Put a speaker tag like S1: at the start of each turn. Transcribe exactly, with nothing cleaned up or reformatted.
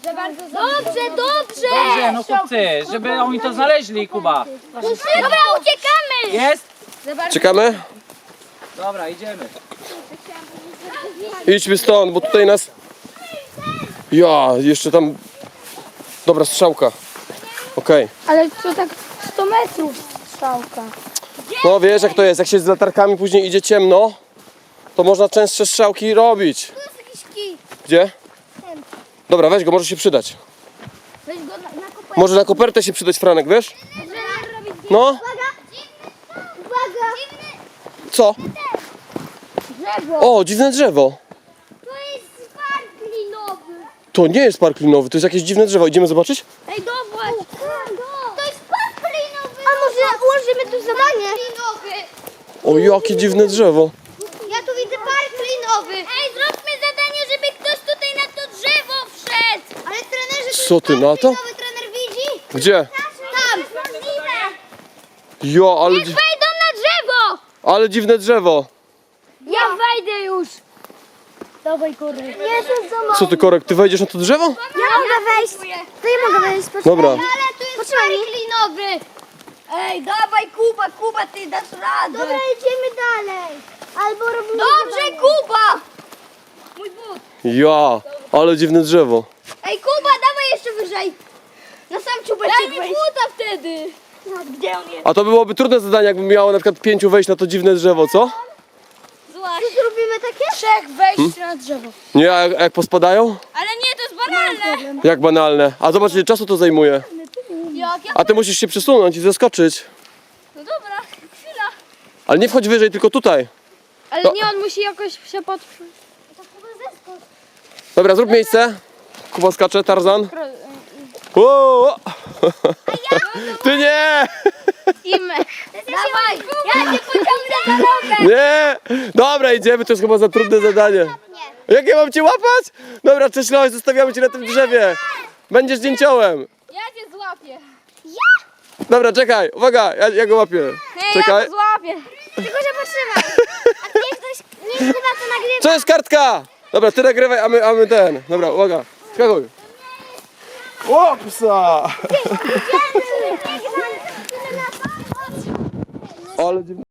S1: Dobrze, dobrze!
S2: Dobrze, no chłopcy, żeby oni to znaleźli, Kuba.
S1: Dobra, uciekamy!
S2: Jest?
S3: Czekamy?
S2: Dobra, idziemy.
S3: Idźmy stąd, bo tutaj nas... Ja, jeszcze tam... Dobra, strzałka. Okej.
S1: Ale to tak sto metrów strzałka.
S3: No wiesz jak to jest, jak się z latarkami później idzie ciemno, to można częstsze strzałki robić.
S1: Tu jest jakiś kij.
S3: Gdzie? Dobra, weź go, może się przydać.
S1: Weź go na, na kopertę.
S3: Może na kopertę się przydać, Franek, wiesz? No,
S1: Uwaga! Uwaga!
S3: co?
S1: Drzewo!
S3: O, dziwne drzewo.
S1: To jest park linowy.
S3: To nie jest park linowy, to jest jakieś dziwne drzewo. Idziemy zobaczyć?
S1: Ej, dobra! To jest park linowy! A może ułożymy tu zadanie? Linowy!
S3: O, jakie dziwne drzewo.
S1: Ja tu widzę park linowy! Ej, zróbmy zadanie, żeby ktoś tutaj na to drzewo wszedł! Ale trenerze, to
S3: Co
S1: jest
S3: ty
S1: park
S3: na to?
S1: linowy, trener widzi?
S3: Gdzie?
S1: Tam!
S3: Jo, ale, dzi-
S1: Wejdą na drzewo!
S3: ale dziwne drzewo.
S1: Ja wejdę już! Dawaj, Korek. Jezus, za mało.
S3: Co ty, Korek, ty wejdziesz na to drzewo?
S1: Ja mogę wejść. To ja mogę wejść.
S3: Dobra.
S1: Ale tu jest park linowy. Ej, dawaj, Kuba, Kuba, ty dasz radę. Dobra, idziemy dalej. Albo robimy... Dobrze, Kuba! Mój but.
S3: Ja, ale dziwne drzewo.
S1: Ej, Kuba, dawaj jeszcze wyżej. Na sam czubeczek Daj mi buta wtedy. Gdzie on jest?
S3: A to byłoby trudne zadanie, jakby miało na przykład pięciu wejść na to dziwne drzewo, co?
S1: Złaś. Czy zrobimy takie? Trzech wejść na drzewo.
S3: Nie, a jak, jak pospadają?
S1: Ale nie, to jest banalne.
S3: Jak banalne. A zobacz, ile czasu to zajmuje.
S1: Jak ja...
S3: A ty musisz się przesunąć i zeskoczyć.
S1: No dobra, chwila.
S3: Ale nie wchodź wyżej, tylko tutaj.
S1: Ale
S3: To-
S1: nie, on musi jakoś się podprzeć. To chyba zeskocz.
S3: Dobra, zrób miejsce. Kuba skacze, Tarzan. O! Ty nie!
S1: Imek. Dawaj, ja cię pociągnę za nogę.
S3: Nie! Dobra, idziemy, to jest chyba za trudne zadanie. Jak ja mam cię łapać? Dobra, cześć Loś, zostawiamy cię na tym drzewie. Będziesz zdjęciołem.
S1: Ja cię złapię.
S3: Dobra, czekaj, uwaga, ja, ja go łapię. Czekaj.
S1: Ja go złapię. Tylko się potrzymaj. A niech ktoś, niech chyba to nagrywa.
S3: Co jest kartka? Dobra, ty nagrywaj, a my, a my ten. Dobra, uwaga, skakuj. O, psa! Ale dziwne.